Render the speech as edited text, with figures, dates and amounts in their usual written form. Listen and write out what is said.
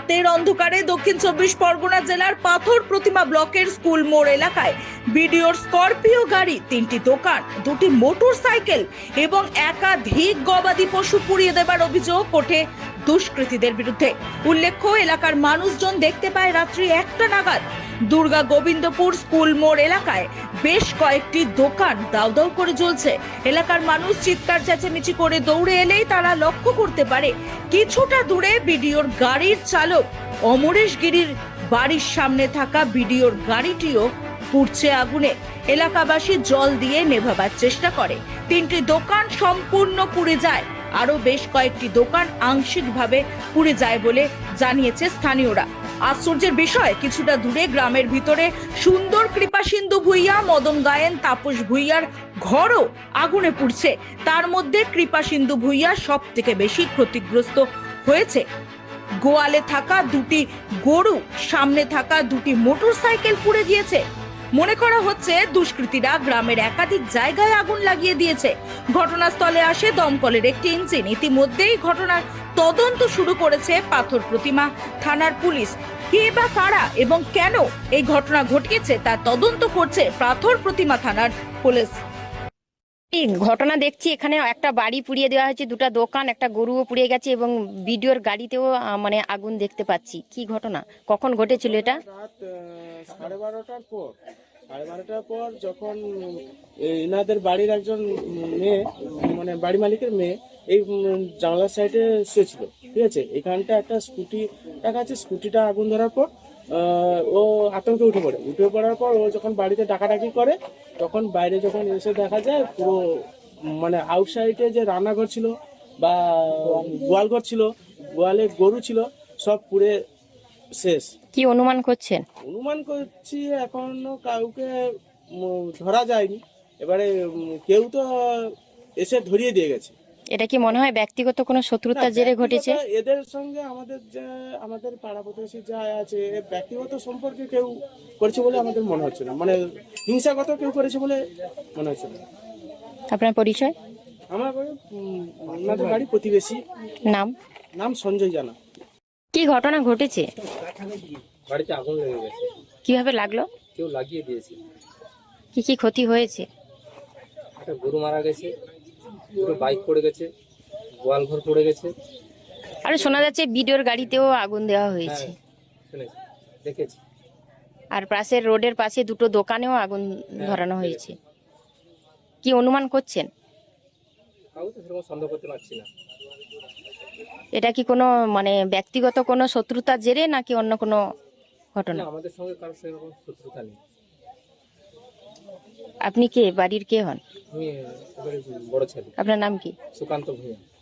রাতের অন্ধকারে দক্ষিণ 24 পরগনা জেলার পাথর প্রতিমা ব্লকের স্কুল মোড় এলাকায় বিডিওর স্করপিও গাড়ি, 3টি দোকান, 2টি মোটর সাইকেল এবং একাধিক গবাদি পশু পুড়িয়ে দেবার অভিযোগ ওঠে দুষ্কৃতীদের বিরুদ্ধে। উল্লেখ্য, এলাকার মানুষজন দেখতে পায় রাত্রি 1টা নাগাদ দুর্গা গোবিন্দপুর স্কুল মোড় এলাকায় বেশ কয়েকটি দোকান দাউ দাউ করে জ্বলছে। এলাকার মানুষ চিৎকার চেঁচামেচি করে দৌড়ে এলেই তারা লক্ষ্য করতে পারে কিছুটা দূরে বিডিওর গাড়ির চালক অমরেশ গিরির বাড়ির সামনে থাকা বিডিওর গাড়িটিও পুড়ছে আগুনে। এলাকাবাসী জল দিয়ে নেভাবার চেষ্টা করে। 3টি দোকান সম্পূর্ণ পুড়ে যায়, আরো বেশ কয়েকটি দোকান আংশিকভাবে পুড়ে যায় বলে জানিয়েছে স্থানীয়রা। আশ্চর্যের বিষয়, কিছুটা দূরে গ্রামের ভিতরে সুন্দর কৃপাসিন্ধু ভূঁইয়া, মদন গায়েন, তাপস ভূঁইয়ার ঘরও আগুনে পুড়ছে। তার মধ্যে কৃপাসিন্ধু ভূঁইয়া সব থেকে বেশি ক্ষতিগ্রস্ত হয়েছে। গোয়ালে থাকা 2টি গরু, সামনে থাকা 2টি মোটর সাইকেল পুড়ে গিয়েছে। মনে করা হচ্ছে দুষ্কৃতীরা গ্রামের একাধিক জায়গায় আগুন লাগিয়ে দিয়েছে। ঘটনাস্থলে আসে দমকলের একটি ইঞ্জিন। ইতিমধ্যেই ঘটনার তদন্ত শুরু করেছে পাথর প্রতিমা থানার পুলিশ। কে বা কারা এবং কেন এই ঘটনা ঘটিয়েছে তা তদন্ত করছে পাথর প্রতিমা থানার পুলিশ। এই ঘটনা দেখছি, এখানে একটা বাড়ি পুড়িয়ে দেওয়া হয়েছে, 2টা দোকান, একটা গরুও পুড়িয়ে গেছে এবং বিডিওর গাড়িতেও মানে আগুন দেখতে পাচ্ছি। কি ঘটনা, কখন ঘটেছিল এটা? রাত 12:30টার পর, 12:30টার পর যখন এনাদের বাড়ির একজন মেয়ে, মানে বাড়ি মালিকের মেয়ে, এই জানলার সাইডে শুয়েছিল, ঠিক আছে। এখানটা একটা স্কুটি রাখা আছে, স্কুটিটা আগুন ধরার পর ও আতঙ্কে উঠে পড়ার পর ও যখন বাড়িতে ডাকাডাকি করে, তখন বাইরে যখন এসে দেখা যায় পুরো মানে আউটসাইডে যে রান্নাঘর ছিল বা গোয়ালঘর ছিল, গোয়ালে গরু ছিল, সব পুড়ে শেষ। কি অনুমান করছেন? অনুমান করছি এখনো কাউকে ধরা যায়নি। এবারে কেউ তো এসে ধরিয়ে দিয়ে গেছে। এটা কি মনে হয় ব্যক্তিগত কোনো শত্রুতার জেরে ঘটেছে? এদের সঙ্গে আমাদের পাড়া প্রতিবেশী যা আছে, ব্যক্তিগত সম্পর্কে কেউ করেছে বলে আমাদের মনে হচ্ছে না, মানে হিংসাগত কেউ করেছে বলে মনে হচ্ছে না। আপনার পরিচয়? আমার আমাদের বাড়ি প্রতিবেশী। নাম সঞ্জয় জানা। কি ঘটনা ঘটেছে? বাড়িতে আগুন লেগে গেছে। কিভাবে লাগলো? কেউ লাগিয়ে দিয়েছে। কি কি ক্ষতি হয়েছে? একটা গরু মারা গেছে, দুটো বাইক পড়ে গেছে, গোয়াল ঘর পড়ে গেছে। আর শোনা যাচ্ছে বিডিওর গাড়িতেও আগুন দেওয়া হয়েছে। শুনেছি, দেখেছি। আর পাশের রোডের পাশে 2টো দোকানেও আগুন ধরানো হয়েছে। কি অনুমান করছেন? কাউকে তো সেরকম সন্দেহ করতে পারছি না। এটা কি কোনো মানে ব্যক্তিগত কোনো শত্রুতার জেরে নাকি অন্য কোনো ঘটনা? না, আমাদের সঙ্গে কারোর সেরকম শত্রুতা নেই। আপনি কে, বাড়ির কে হন? আমি এবারে বড় ছেলে। আপনার নাম কি? সুকান্ত ভূঁইয়া।